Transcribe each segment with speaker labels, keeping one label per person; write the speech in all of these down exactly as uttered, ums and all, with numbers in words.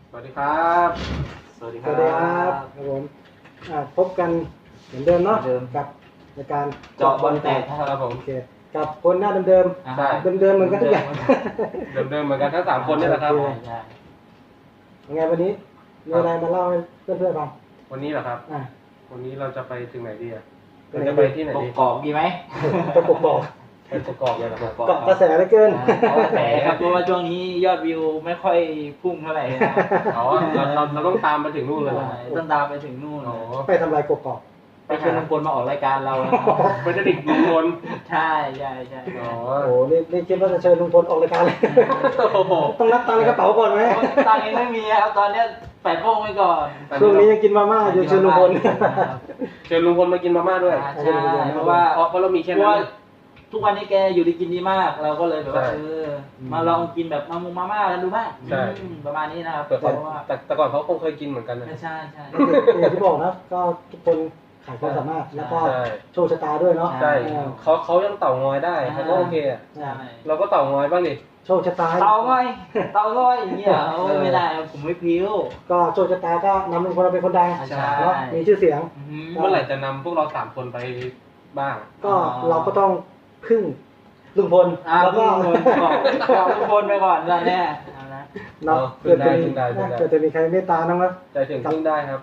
Speaker 1: สวัสดีครับ
Speaker 2: สวัสดีค
Speaker 3: ส
Speaker 2: รับ
Speaker 3: วัสดีครับครับผมอ่าพบกันเหมือนเดิมเนาะ
Speaker 2: เหมือนเดิม
Speaker 3: กับรายการ
Speaker 2: เจาะบอลแตก
Speaker 1: ครับผม
Speaker 3: โอเคกับคนหน้าเดิม
Speaker 2: อ่า
Speaker 1: ใช่
Speaker 3: ๆเดิมๆเหมือนกันทุกอย่าง
Speaker 1: เดิมๆเหมือนกันทั้งสามคนนี่แหละครับ
Speaker 3: โอเค
Speaker 2: ใช่
Speaker 3: ยังไงวันนี้มีอะไรมาเล่าให้เพื่อนๆฟัง
Speaker 1: วันนี้เหรอครับ
Speaker 3: อ่า
Speaker 1: วันนี้เราจะไปถึงไหนดีอ่ะ
Speaker 3: ไป
Speaker 1: เรา
Speaker 3: ไหน
Speaker 1: จะไปที่ไหน
Speaker 2: ก
Speaker 1: ดี
Speaker 2: กอกดีไหม
Speaker 3: จะกบอก
Speaker 1: ไปกกอกเลยเหรอครับ
Speaker 3: เกาะกระแสเหลือเกิน
Speaker 2: เอากระแสครับเพราะว่าช่วงนี้ยอดวิวไม่ค่อยพุ่งเท่าไหร่นะ
Speaker 1: อ๋อเราเราเราต้องตามไปถึงนู่นเลยเหรอ
Speaker 2: ต้องตามไปถึงนู่น
Speaker 1: อ๋อ
Speaker 3: ไปทำลายกบกอก
Speaker 2: ไปเชิญลุงพลมาออกรายการเรานะครับ
Speaker 1: ไปจะดิกลุงพล
Speaker 2: ใช่ใช่ใช่
Speaker 1: อ๋อ
Speaker 3: โอ้โหนี่นี่คิดว่าจะเชิญลุงพลออกรายการเลย
Speaker 1: โอ้โห
Speaker 3: ต้องนับตังค์ในกระเป๋าก่อนไหม
Speaker 2: ตังค์ยังไม่มีครับตอนเนี้ยแปะโป้งไว้ก่อน
Speaker 3: ช่วงนี้ยังกินมาม่าอยู่เชิญลุงพล
Speaker 1: เชิญลุงพลมากินมาม่าด้วย
Speaker 2: ใช่เพราะว่า
Speaker 1: เพราะเพราะเรามีแค่
Speaker 2: เพราะ
Speaker 1: นั้
Speaker 2: ว่าน ทุกวันนี้แกอยู่ดีกินดีมาก เราก็เลยแบบว่า
Speaker 1: ใช่
Speaker 2: เออมาลองกินแบบมามุงมาม่ากันดูบ้าง
Speaker 1: ใช่
Speaker 2: อืมประมาณนี้นะครับ
Speaker 1: แต่
Speaker 2: เพ
Speaker 1: ก่อน
Speaker 2: ราะว่า
Speaker 1: แต่แต่ก่อนเขาคงเคยกินเหมือนกันนะ
Speaker 2: ใช่ใช่
Speaker 3: อย่างที่บอกนะก็ทุกคนขายความสามารถแล้วก็
Speaker 1: ใช่
Speaker 3: โชว์ชะตาด้วยเนาะ
Speaker 1: ใช่
Speaker 3: เออ
Speaker 1: เขาเขายังเต่างอยได้เขาก็โอเคอ่ะ
Speaker 2: ใช่
Speaker 1: เราก็เต่างอยบ้างดิ
Speaker 3: โชว์ชะตา
Speaker 2: เตาง่อยเตาง่อยอย่างเงี้ยโอ้ยไม่ได้ผมไม่พิ้ว
Speaker 3: ก็โชว์ชะตาก็นำลุงพลเราเป็นคนดัง
Speaker 2: ใช่
Speaker 3: เนาะมีชื่อเสียง
Speaker 2: อื้อหือ
Speaker 1: เมื่อไหร่จะนำพวกเราสามคนไปบ้าง
Speaker 3: ก็
Speaker 2: อ๋อ
Speaker 3: เราก็ต้องพึ่งลุงพล
Speaker 2: อ่า
Speaker 3: แล้วก็
Speaker 2: ลุงพลบอกบอกลุงพลไปก่อนตอนเนี้ยเอานะ
Speaker 3: เนาะ
Speaker 1: เออ
Speaker 3: เกิดจะมี
Speaker 1: พึ่งได้พึ่งได้
Speaker 3: เกิดจะมีใครเมตตาน้องนะ
Speaker 1: ใจถึงพึ่งได้ครับ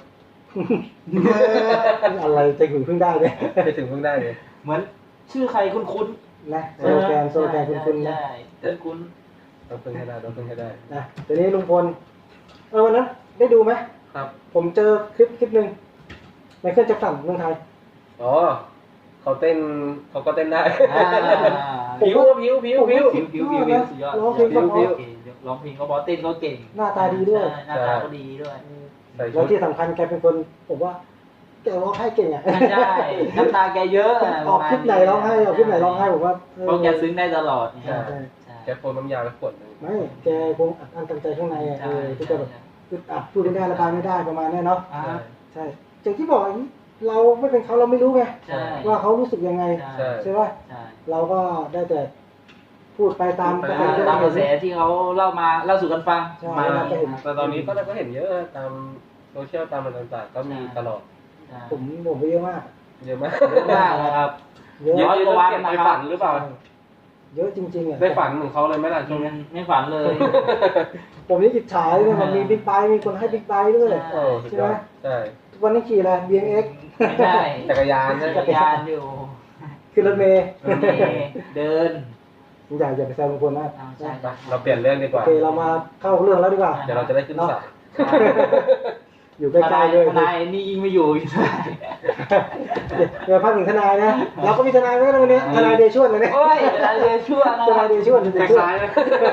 Speaker 3: อะไรจะหึงพึ่งได้เลย
Speaker 1: ใจถึงพึ่งได้เลย
Speaker 2: เหมือนชื่อใครคุ้น
Speaker 3: นะ
Speaker 2: ๆ
Speaker 3: โซโลแกนโซโลแกนคุณคุณนะ
Speaker 2: ใช่คุ้น
Speaker 1: ต้องพึ่งให้ได้ต้องพึ่งให้ได้
Speaker 3: นะทีนี้ลุงพลเออวันนั้นได้ดูไหม
Speaker 1: ครับ
Speaker 3: ผมเจอคลิปคลิปหนึ่งไมเคิลแจ็คสันเมืองไทย
Speaker 1: อ๋อเขาเต้นเขาก็เต้นได้
Speaker 2: ๆอ่า
Speaker 1: ผิวผิวผิวผิว
Speaker 2: ผิวผิวผิวผิวสุดยอด
Speaker 3: ร้องเพลงก็เพราะ
Speaker 2: ร้องเพลงก็เพราะเต้นก็เก่ง
Speaker 3: หน้าตาดีด้วย
Speaker 2: ใช่หน้าตาก็ดีด้วย
Speaker 1: ใส่
Speaker 3: แล้
Speaker 1: ชุ
Speaker 3: ว
Speaker 1: ด
Speaker 3: ที่สำคัญแกเป็นคนผมว่าแกร้องไห้เก่งอ่ะ
Speaker 2: ใช่น้ำตาแกเยอะะ
Speaker 3: ออกคลิปไหนร้องไห้ออกคลิปไหนร้องไห้ผมว่าเออ
Speaker 2: เพราะแกซึ้งได้ตลอด
Speaker 3: ใช่ใช่
Speaker 2: ใช่
Speaker 1: แกโฟนน้ำยาแล้วขวดหนึง
Speaker 3: ไม่แกคงอัดอั้นตันใจข้างในอ่ะ
Speaker 2: ใช่
Speaker 3: เออที่จะแบบอึดอัดพูดไม่ได้ระบายไม่ได้ประมาณเนี้ยเนาะ
Speaker 2: อ่า
Speaker 3: ใช่อย่างที่บอกอย่างนี้เราไม่เป็นเขาเราไม่รู้ไง
Speaker 2: ใช่
Speaker 3: ว่าเขารู้สึกยังไง
Speaker 2: ใช่
Speaker 3: ใช่ป่ะ
Speaker 2: ใช่
Speaker 3: เราก็ได้แต่พูดไปตาม
Speaker 2: ตามตามกระแสที่เขาเล่ามาเล่าสู่กันฟัง
Speaker 3: ใช่
Speaker 2: มา
Speaker 3: เราจะเห็น
Speaker 1: แต่ตอนนี้ก็เราก็เห็นเยอะตามโซเชียลตามอะไรต่างๆก็มีตลอด
Speaker 2: ใช่
Speaker 3: ผมผมไปเยอะมาก
Speaker 1: เยอะมาก
Speaker 2: เยอะมากนะครับ
Speaker 3: เยอะ
Speaker 1: เยอะ
Speaker 2: ร้อย
Speaker 1: จ
Speaker 2: ก
Speaker 1: น
Speaker 2: ว่าวัน
Speaker 1: เก็บ
Speaker 2: นะ
Speaker 1: ไป
Speaker 2: ครับ
Speaker 1: ฝันหรือเปล่า
Speaker 3: เยอะจริงๆอ่ะ
Speaker 1: ได้ฝันเหมือนเขาเลยไหมล่ะช่วงนี้
Speaker 2: ไม่ฝันเลย
Speaker 3: ผมนี่อิจฉาเลยนะมันมีบิ๊กไบค์มีคนให้บิ๊กไบค์ด้วย
Speaker 1: โอ้สุดยอดใช่
Speaker 3: ทุกวันนี้ขี่อะไร บี เอ็ม เอ็กซ์
Speaker 2: ไม่ใช่
Speaker 1: จักรยานใช่
Speaker 2: จักรยานอยู่
Speaker 3: ขึ้นรถเมล์
Speaker 2: รถเมล์เดิน
Speaker 3: อย่าอย่าไปแซวลุงพลนะ
Speaker 2: อ่าใช่
Speaker 1: ไปเราเปลี่ยนเรื่องดีก
Speaker 3: โอ
Speaker 1: ว่า
Speaker 3: เคเรามาเข้าเรื่องแล้วดีกว่า
Speaker 1: เดี๋ยวเราจะได้ขึ้นศาล
Speaker 3: อยู่ใกล้ๆเลย
Speaker 2: ทนายนี่ยิ่งไม่อยู่อีก
Speaker 3: เดี๋ยวพักหนึ่งทนายนะเราก็มีทนายไว้แล้ววันนี้ทนายเดชวนเลยเนี่ย
Speaker 2: โอ้ยทนายเดชวนนะ
Speaker 3: ทนายเดชวน
Speaker 1: ค
Speaker 3: เดชวน
Speaker 1: ล้ายๆนะ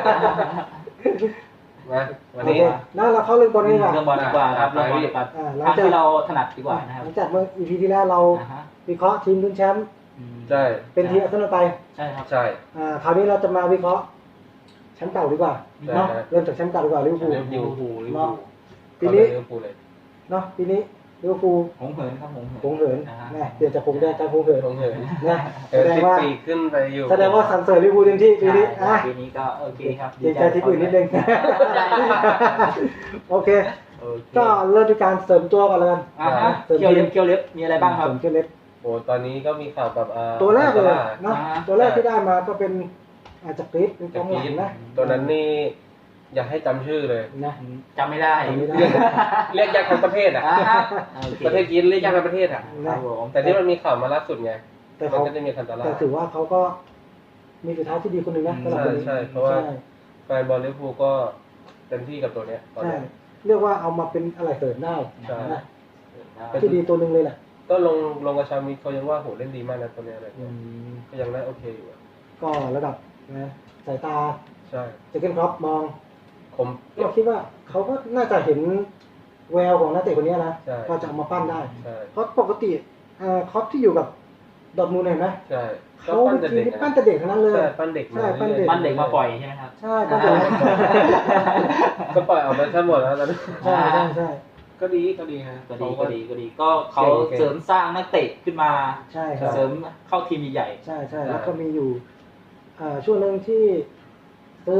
Speaker 1: มาวัน
Speaker 3: โอ
Speaker 1: นี้
Speaker 3: เคนั่นเราเข้าเรื่องบอลดีกว่า
Speaker 2: เรื่องบอลดีกว่าครับเรื่องบอลดีกว่า
Speaker 3: อ่าหลัง
Speaker 2: ทาง
Speaker 3: จาก
Speaker 2: ที่เราถนัดดีกว่านะค
Speaker 3: ห
Speaker 2: รับ
Speaker 3: ลังจากเมื่อ อี พี ที่แล้วเรา
Speaker 2: อ่าฮะ
Speaker 3: วิเคราะห์ทีมลุ้นแชมป์
Speaker 2: อืม
Speaker 1: ใช่
Speaker 3: เป็นทีมอาร์เซนอลไป
Speaker 2: ใช่ครับ
Speaker 1: ใช่
Speaker 3: อ่าคราวนี้เราจะมาวิเคราะห์แชมป์เก่าดีกว่า
Speaker 1: ได้
Speaker 3: เนาะ
Speaker 1: ครับ
Speaker 3: เริ่มจากแชมป์เก่าดีกว่าลิเวอร์พูล
Speaker 1: ลิเวอร์พูล
Speaker 2: ลิเวอร์พูลลิเวอร์พูล
Speaker 3: ปีนี้
Speaker 1: ลิเวอร์พูลเลย
Speaker 3: เนาะปีนี้ลิเวอร์พูล
Speaker 2: หงเหินครับหง
Speaker 3: หงเหิน
Speaker 2: อ่าฮะ
Speaker 3: นะเปลี่ยนจากหงแดงกลายเป็นหงเหิน
Speaker 1: ลงเหิน
Speaker 3: นะ
Speaker 1: เอ
Speaker 3: แส
Speaker 1: อ
Speaker 3: ดง
Speaker 1: ติด
Speaker 3: ว่า
Speaker 1: ปีกขึ้นไปอยู่
Speaker 3: แสดงว่าสันเสริญลิเวอร์พูลเต็มที่ปีนี้
Speaker 2: ใช่
Speaker 3: อ่ะ
Speaker 2: ปีนี้ก็โอเคครับ
Speaker 3: เกรงใจที่อื่นนิดนึง โอเค
Speaker 2: โอเค
Speaker 3: ก็เริ่มด้วยการเสริมตัวก่อนเลยกัน
Speaker 2: อ่าฮะเคียวเล็บเคียวเล็บมีอะไรบ้างครับ
Speaker 3: เสริมเชือกเล็บ
Speaker 1: โอ้ตอนนี้ก็มีข่าวกับอ่า
Speaker 3: ตัวแรกเลย
Speaker 1: อัลตา
Speaker 3: เนาะ
Speaker 2: อ่า
Speaker 3: ตัวแรกที่ได้มาก็เป็นอาจจะกรีดเป็นก
Speaker 1: จา
Speaker 3: อก งห
Speaker 1: กี
Speaker 3: ลัง
Speaker 1: น
Speaker 3: นะ
Speaker 1: ตัวนั้นนี่อยากให้จำชื่อเลย
Speaker 3: นะ
Speaker 2: จำไม่ได้
Speaker 3: จำไม่ได้
Speaker 1: เรียกยากทั้งประเทศอ่ะ
Speaker 2: อ่าฮะโอเค
Speaker 1: ประเทศกีนเรียกยากทั้งประเทศอ่ะ
Speaker 2: ครับผม
Speaker 1: แต่ที่มันมีข่าวมาล่าสุดไง
Speaker 3: แต่
Speaker 1: มัน
Speaker 3: เขา
Speaker 1: ก็จะมีคันตาล่า
Speaker 3: แต่ถือว่าเขาก็มีสุดท้ายที่ดีคนหนึ่งนะสำหรับ
Speaker 1: ใช่
Speaker 3: คนนี้
Speaker 1: ใช่เพราะว่า
Speaker 3: ใช่
Speaker 1: แฟนบอลลิเวอร์พูลก็เต็มที่กับตัวเนี้ยตอน
Speaker 3: ใช่
Speaker 1: เนี้ย
Speaker 3: เรียกว่าเอามาเป็นอะไรเสริมได้
Speaker 1: ใช่
Speaker 3: นะที่ดีตัวหนึ่งเลยแหละ
Speaker 1: ก็ลงลงกับชามิเขายังว่าโหเล่นดีมากนะตัวเนี้ยอะไร
Speaker 3: อื
Speaker 1: เงี้ย
Speaker 3: ม
Speaker 1: ก็ยังได้โอเคอยู่อะ
Speaker 3: ก็ระดับนะสายตา
Speaker 1: ใช่
Speaker 3: เจเกนครอปมอง
Speaker 1: คม
Speaker 3: ก็คิดว่าเขาก็น่าจะเห็นแววของนักเตะคนนี้นะ
Speaker 1: ใช่
Speaker 3: ก็จะเอามาปั้นได้
Speaker 1: ใช่
Speaker 3: เพราะปกติเอ่อครอปที่อยู่กับดอร์ทมูลเห็นไหม
Speaker 1: ใช่ก็
Speaker 3: เขา
Speaker 1: ปั้น
Speaker 3: เป็น
Speaker 1: แต่
Speaker 3: ทีม
Speaker 1: เด็ก
Speaker 3: ที่ปั้น
Speaker 1: นะ
Speaker 3: แต่เด็กทั้งนั้นเลย
Speaker 1: ใช่ปั้นเด็กมา
Speaker 3: ใช่ปั้นเด็ก
Speaker 2: ปั้นเด็กมาปล่อยใช่ไหมครับ
Speaker 3: ใช่ปั้นเด็ก
Speaker 1: ก็ปล่อยออกมาทั้งหมดแล้วตอนนี้
Speaker 3: ใช่ใช่ใช่
Speaker 1: ก็ดีก็ดีฮะ
Speaker 2: ก็ดีก็ดีก็ดีก็เขา
Speaker 1: โอเค
Speaker 2: เสริมสร้างนักเตะขึ้นมา
Speaker 3: ใช่ครับ
Speaker 2: เสริมเข้าทีมใหญ่
Speaker 3: ใช่ใช่
Speaker 1: ใช่
Speaker 3: แล้วก็มีอยู่เอ่อช่วงหนึ่งที่ซื้อเนาะ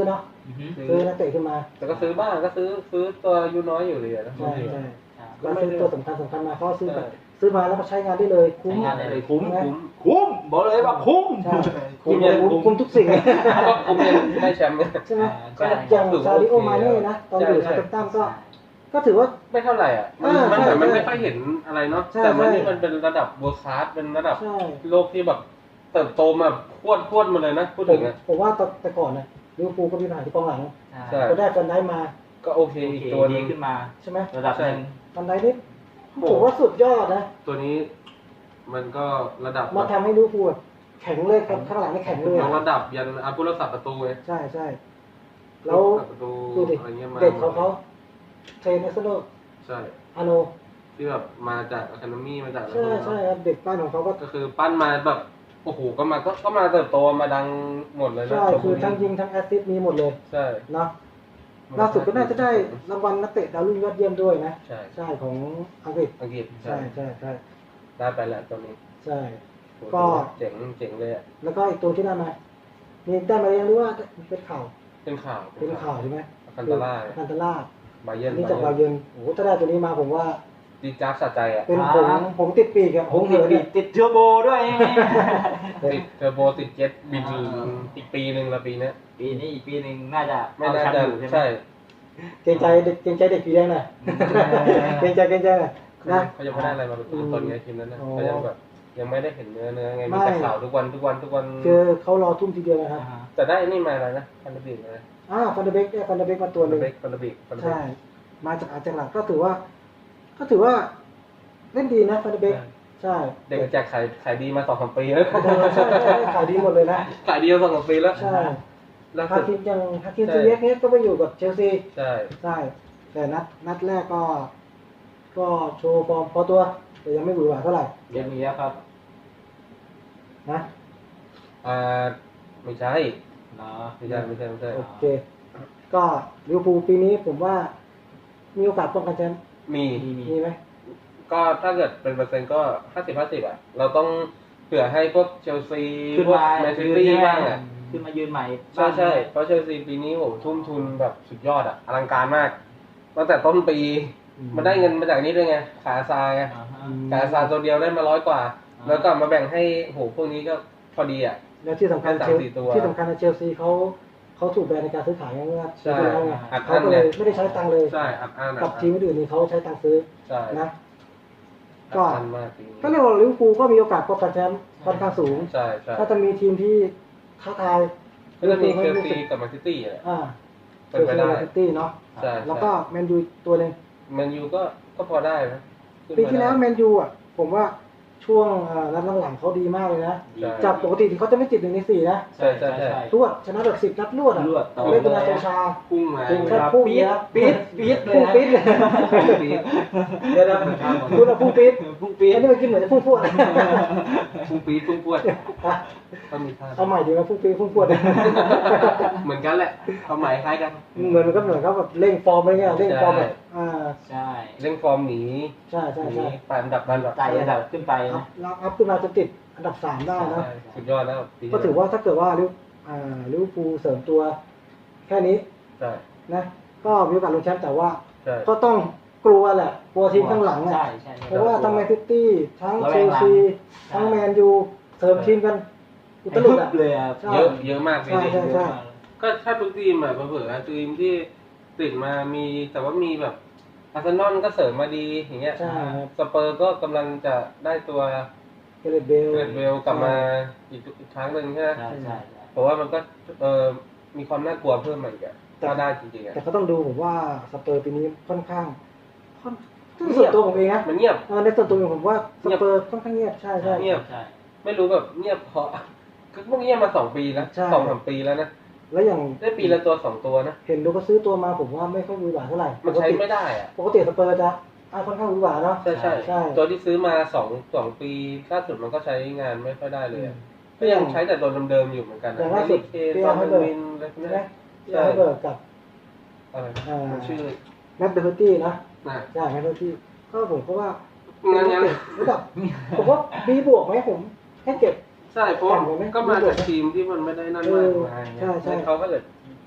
Speaker 2: อือฮึ
Speaker 3: ซื้อนักเตะขึ้นมา
Speaker 1: แต่ก็ซื้อบ้างก็ซื้อซื้อตัวอายุน้อยอยู่เลยอะนะ
Speaker 3: ใช่ใช่
Speaker 2: ครับ
Speaker 3: ก็ซื้อตัวสำคัญสำคัญมาเขาซื้อมาซื้อมาแล้วก็ใช้งานได้เลยคุ้ม
Speaker 2: ใช้งานได้เลยคุ้ม
Speaker 3: ใช่ไห
Speaker 2: คุ้มคุ้มบอกเลยว่าคุ้ม
Speaker 3: ใช่คุ้มเลยคุ้มคุ้มทุกสิ่ง
Speaker 1: ก็คุ้มยังได้แชมป์เนี่ย
Speaker 3: ใช่ไหม
Speaker 2: ใช่
Speaker 3: อย่างซาดิโอมาเน่นะตอนอยู่
Speaker 1: ใช่
Speaker 3: ซาเตมตันก็ก็ถือว่า
Speaker 1: ไม่เท่าไหร่อ่ะมัน
Speaker 3: อ่า
Speaker 1: มันเหมือน
Speaker 3: ใช่
Speaker 1: มัน
Speaker 3: ใช่
Speaker 1: ไม่ค่อยเห็นอะไรเนาะ
Speaker 3: ใช่
Speaker 1: แต่มัน
Speaker 3: ใช่
Speaker 1: นี่มันเป็นระดับเวิร์คคลาสเป็นระดับ
Speaker 3: ใช่
Speaker 1: โลกที่แบบเติบโตมาพรวดพรวดมาเลยนะพูด
Speaker 3: ผ
Speaker 1: ถึ
Speaker 3: ม
Speaker 1: งอ่ะ
Speaker 3: ผมว่าแต่ก่อนเนี่ยลิเวอร์พูลก็มีปัญหาที่กองหลัง
Speaker 1: ใช่
Speaker 3: ก็ได้ฟันได้มา
Speaker 1: ก็โอเค
Speaker 2: โอ
Speaker 1: อีก
Speaker 2: เค
Speaker 1: ตัวห
Speaker 2: ดี
Speaker 1: นึง
Speaker 2: ขึ้นมา
Speaker 3: ใช่ไหม
Speaker 2: ระดับหนึ่ง
Speaker 3: ฟันได้นี่ผมว่าสุดยอดนะ
Speaker 1: ตัวนี้ มันก็ระดับ
Speaker 3: มาทำให้ลิเวอร์พูลแข็งเลยครับข้างหลังนี่แข็งเลย
Speaker 1: ยก
Speaker 3: อะ
Speaker 1: ระดับยันอาผู้รักษาประตูไง
Speaker 3: ใช่ใช่แล้ว
Speaker 1: ผู้รักษาประตู
Speaker 3: ดูดิ
Speaker 1: อะไรเงี้ยมา
Speaker 3: เด็กของเขาเทรนเนสโน
Speaker 1: ใช่
Speaker 3: อาโน
Speaker 1: ที่แบบมาจากอะคาเดมี่มาจากอะไร
Speaker 3: ใช่ใช่ครับเด็กบ้านของเขาก็
Speaker 1: ก็คือปั้นมาแบบโอ้โหก็มาก็ก็มาเติบโตมาดังหมดเลยนะ
Speaker 3: ใช่
Speaker 1: ตัวพ
Speaker 3: คื
Speaker 1: ว
Speaker 3: อก
Speaker 1: นี้
Speaker 3: ทั้งยิงทั้งแอสซิสต์มีหมดเลย
Speaker 1: ใช่
Speaker 3: เนาะล่าสุดก็น่าจะได้รางวัลนักเตะดาวรุ่งยอดเยี่ยมด้วยนะ
Speaker 1: ใช่
Speaker 3: ใช่ของอังกฤษ
Speaker 1: อังกฤษ
Speaker 3: ใช่ใช่ใช่
Speaker 1: ได้ไปแล้วตัวนี้
Speaker 3: ใช่
Speaker 1: โห
Speaker 3: ก็
Speaker 1: เจ๋งเจ๋งเลยอ่ะ
Speaker 3: แล้วก็อีกตัวที่ได้มามีได้มายังรู้ว่าเป็นข่าว
Speaker 1: เป็นข่าว
Speaker 3: เป็นข่าวใช่ไหม
Speaker 1: คันตาล่า
Speaker 3: คันตาล่า
Speaker 1: บาเยิร์น
Speaker 3: อันนี้จากบาเยิร์นโอ้โหถ้าได้ตัวนี้มาผมว่า
Speaker 1: ดีจ้าบสะใจอ่ะ
Speaker 3: เป็นผมผมติดปีกอะ
Speaker 2: ผ
Speaker 3: ผม ม
Speaker 2: ติ
Speaker 3: เหิ
Speaker 2: ด
Speaker 3: น
Speaker 2: ติ
Speaker 3: เนี่
Speaker 2: ด
Speaker 3: ย
Speaker 2: ติดเทอร์โบด้วย
Speaker 1: ติดเทอร์โบติดเจ็ตบินถึงอีกปีหนึ่งละปีเนี้ย
Speaker 2: ปีนี้อีกปีหนึ่งน่าจะ
Speaker 1: ไม่
Speaker 2: เอา
Speaker 1: น่า
Speaker 2: แชม
Speaker 1: จะ
Speaker 2: ป์อยู่ใช่ไหม
Speaker 1: ใช่
Speaker 3: เกรงใจเด็กเกรงใจเด็กปีแดงหน่อยเกรงใจเกรงใจหน่อยนะ
Speaker 1: เขายังไม่ได้อะไรมาเป็นตัวตนไงทีมนั้นนะ
Speaker 3: อ๋อ
Speaker 1: เขายังแบบยังไม่ได้เห็นเนื้อเนื้อไง
Speaker 3: ไม่
Speaker 1: มีแต่ข่าวทุกวันทุกวันทุกวัน
Speaker 3: คือเขารอทุ่มทีเดียวนะครับ
Speaker 2: อ่า
Speaker 1: แต่ได้ไอ้นี่มาอะไรนะฟันเดอร์บิกนะ
Speaker 3: อ่าฟันเดอร์เบกได้ฟันเดอร์เบกมาตัวหนึ่ง
Speaker 1: เบกฟันเดอร์บิกฟันเดอร์บิ
Speaker 3: ใช่
Speaker 1: ก
Speaker 3: มาจากอาร์เจนตินาก็ถือว่า ก็ถือว่าเล่นดีนะฟันเดอร์เบกใช่
Speaker 1: เด็กแจกขายขายดีมาสองสามปีแล้ว
Speaker 3: เออใช่ใช่ขายดีหมดเลยนะ
Speaker 1: ขายดีมาสองสามปีแล้ว
Speaker 3: ใช่
Speaker 1: แล้ว
Speaker 3: ฮาคิมยังฮาคิมซีเอสเนี่ยก็ไปอยู่กับเชลซี
Speaker 1: ใช่
Speaker 3: ใช่ แต่นัดนัดแรกก็ ก็โชว์ฟอร์มพอตัว แต่ยังไม่หวือหวาเท่าไหร่
Speaker 2: เดี๋ยวมีแล้วครับ
Speaker 3: นะ
Speaker 1: อ่าไม่ใช่
Speaker 2: เนาะ
Speaker 1: ไม่ใช่ไม่ใช่ไม่ใช่
Speaker 3: โอเค ก็ลิเวอร์พูลปีนี้ผมว่า มีโอกาสป้องกันแชมป์
Speaker 1: มี
Speaker 2: มีมี
Speaker 3: มีไหม
Speaker 1: ก็ถ้าเกิดเป็นเปอร์เซ็นต์ก็ห้าสิบห้าสิบอ่ะ เราต้องเผื่อให้พวกเชลซี
Speaker 2: ขึ้น
Speaker 1: พวก
Speaker 2: มา
Speaker 1: แมนซิ
Speaker 2: ยืน
Speaker 1: ตี้
Speaker 2: ใช่ไหม
Speaker 1: บ้างอ่ะ
Speaker 2: ขึ้นมายืนใหม่
Speaker 1: ใช่ใช่เพราะเชลซีปีนี้โหทุ่มทุนแบบสุดยอดอ่ะอลังการมากตั้งแต่ต้นปีมันได้เงินมาจากนี้ด้วยไงขาซาไง
Speaker 2: อ่าฮะ
Speaker 1: ขาซาตัวเดียวได้มาร้อยกว่า
Speaker 2: อ่า
Speaker 1: แล้วก็มาแบ่งให้โหพวกนี้ก็พอดีอ่ะ
Speaker 3: แล้วที่สำคัญ
Speaker 1: แค่สาม
Speaker 3: เชล
Speaker 1: สี่ตัว
Speaker 3: ที่สำคัญในเชลซีเขาเขาถูกแบนในการซื้อขายเมื่อ
Speaker 1: ใช่
Speaker 3: ปีที่แล้วไง
Speaker 1: อัดอั้
Speaker 3: เขา
Speaker 1: น
Speaker 3: ก็เลย
Speaker 1: ไง
Speaker 3: ไม่ได้ใช้ตังค์เลย
Speaker 1: ใช่อัดอั้นอั
Speaker 3: กับ
Speaker 1: ดอั้
Speaker 3: ทีมอื่นนี่เขาใช้ตังค์ซื้อ
Speaker 1: ใช่
Speaker 3: นะ
Speaker 1: อั
Speaker 3: ก็
Speaker 1: ดอั้นมากปีนี้
Speaker 3: ก็เรียกว่าลิเวอร์พูลก็มีโอกาสป้องกันแชมป์ค่อนข้างสูง
Speaker 1: ใช่ใช่
Speaker 3: ถ้าจะมีทีมที่ท้าทาย
Speaker 1: ก็จะมีเชลซีกับแมนซิตี้อ่ะ
Speaker 3: อ่า
Speaker 1: เป็นไปได้
Speaker 3: เชลซีแมนซิตี้เนาะ
Speaker 1: ใช่
Speaker 3: แล้วก็แมนยูตัวหนึ่ง
Speaker 1: แมนยูก็ก็พอได้นะขึ้น
Speaker 3: ปี
Speaker 1: มา
Speaker 3: ที่แล้ว
Speaker 1: ได้
Speaker 3: แมนยูอ่ะผมว่าช่วงเอ่อนัดหลังๆเขาดีมากเลยนะ
Speaker 1: ใช่
Speaker 3: จากปกติที่เขาจะไม่ติดหนึ่งในสี่นะ
Speaker 1: ใช่ใช่ใช่
Speaker 3: รวดชนะแบบสิบนัดรวดอ่ะ
Speaker 2: รวดต่อ
Speaker 3: เล่นเป็นนาโตชา
Speaker 1: พุ่งมา
Speaker 3: พุ่ง
Speaker 1: ค
Speaker 3: ครั
Speaker 1: รับ
Speaker 3: พุ่ง
Speaker 2: ปี๊ด
Speaker 3: นะ
Speaker 2: ปี๊ดปี๊ดเลย
Speaker 3: พุ่ง
Speaker 2: นะ
Speaker 3: ปี๊ดเลย
Speaker 1: ปี๊ด
Speaker 3: เดี๋ยวนะคุณอะพุ่งปี๊ด
Speaker 2: พุ่งปี๊ด
Speaker 3: อันนี้มันกินเหมือนจะพุ่งพรวด
Speaker 1: พุ่งปี๊ดพุ่งพวด
Speaker 3: อ่ะ
Speaker 1: ก็มีท่า
Speaker 3: เอาใหม่ดีไหมพุ่งปี๊ดพุ่งพรวด
Speaker 1: เหมือนกันแหละความหมายคล้ายกัน
Speaker 3: เหมือนมันก็เหมือนเขาแบบเร่งฟอร์มอะไรเงี้ยเร่งฟอร์มแบบอ่า
Speaker 2: ใช่
Speaker 1: เร่งฟอร์มหนี
Speaker 3: ใช่ใช่
Speaker 1: หนี
Speaker 3: ใช่
Speaker 1: ไประดับกันแบบ
Speaker 2: ไต่ระดับขึ้นไป
Speaker 3: อั
Speaker 2: นะ
Speaker 3: พเราอัพขึ้นมาจนติดอันดับสามได้นะ
Speaker 1: ใช่สุดยอดแล้วปี
Speaker 3: ก็ถือว่าถ้าเกิดว่าลิเวอร์อ่าลิเวอร์พูลเสริมตัว แค่นี้
Speaker 1: ใช่
Speaker 3: นะ ก็มีโอกาสลงแชมป์แต่ว่า
Speaker 1: ใช่
Speaker 3: ก็ต้องกลัวแหละกลัวทีมข้างหลัง
Speaker 2: ใช่
Speaker 3: อ่ะ
Speaker 2: ใช่
Speaker 3: เพราะว่าทั้งแมนซิตี้ทั้ง
Speaker 2: ระ
Speaker 3: เช
Speaker 2: แวง
Speaker 3: ล
Speaker 2: หลัง
Speaker 3: ซีทั้งแมนยูเสริมทีมกันอุตลุดอ่ะ
Speaker 2: เลยอ่ะ
Speaker 3: ใช่
Speaker 1: เยอะเยอะมากปี
Speaker 3: ใช่
Speaker 1: นี้
Speaker 3: ใช่ใช่
Speaker 1: ก็ถ้าทุกทีมอ่ะเผื่อๆทีมที่ติดมามีแต่ว่ามีแบบอาร์เซนอลก็เสริมมาดีอย่างเงี้ย
Speaker 3: ใช่ครับ
Speaker 1: สเปอร์ก็กำลังจะได้ตัว
Speaker 3: เกเรตเบล
Speaker 1: เกรดเวลกลับมาอีกอีกครั้งหนึ่งใช่ไหม
Speaker 2: ใช่ใช่
Speaker 1: เพราะว่ามันก็เออมีความน่ากลัวเพิ่มมาอีกอะถ้าได้จริงๆอะ
Speaker 3: แต่ก็ต้องดูผมว่าสเปอร์ปีนี้ค่อนข้างค่อนส่วนตัวผมเองนะ
Speaker 1: มันเงียบ
Speaker 3: เออในส่วนตัวผมว่าสเปอร์ค่อนข้างเงียบใช่ใช่
Speaker 1: เงียบ
Speaker 2: ใช่
Speaker 1: ไม่รู้แบบเงียบเพราะคือพวกเงียบมาสองปีแล้ว
Speaker 3: ใช่
Speaker 1: สองสามปีแล้วนะ
Speaker 3: แล้วอย่าง
Speaker 1: ได้ปีละตัวสองตัวนะ
Speaker 3: เห็นดูก็ซื้อตัวมาผมว่าไม่ค่อยหวือหวาเท่าไหร่
Speaker 1: มันใช้ไม่ได้อะ
Speaker 3: ปกติสเปอร์จะอ่าค่อนข้างหวือหวาเนาะ
Speaker 1: ใช่ใช่
Speaker 3: ใช่
Speaker 1: ตัวที่ซื้อมาสองสองปีล่าสุดมันก็ใช้งานไม่ค่อยได้เลยอะ
Speaker 3: ก็
Speaker 1: ก็
Speaker 3: ยั
Speaker 1: ยัง งใช้แต่ตัวเดิมๆอยู่เหมือนกัน
Speaker 3: อย่างล่าสุด
Speaker 1: เค
Speaker 3: เปีย
Speaker 1: ซอน
Speaker 3: ให้เบิร์
Speaker 1: วินอะไรพวก
Speaker 3: ใช่
Speaker 1: นี้
Speaker 3: ไหม
Speaker 1: นะ
Speaker 3: ที่ให้เบิร์กกับ
Speaker 1: อะไรนะ
Speaker 3: อ่า
Speaker 1: มันชื่อ
Speaker 3: แมตต์เดอร์ตี้นะ
Speaker 1: น่ะ
Speaker 3: ใช่แมตต์เดอร์ตี้ก็ผมก็ว่า
Speaker 1: งั้นงั้น
Speaker 3: ระดับผมว่าบีบวกไหมผมให้เก็บ
Speaker 1: ใช่เพราะ
Speaker 3: ต่ำกว่าไหม
Speaker 1: ก็มาจากทีมที่มันไม่ได้นั่นมากมาย
Speaker 3: ใช่ใช่
Speaker 1: งั้นเขาก็เลย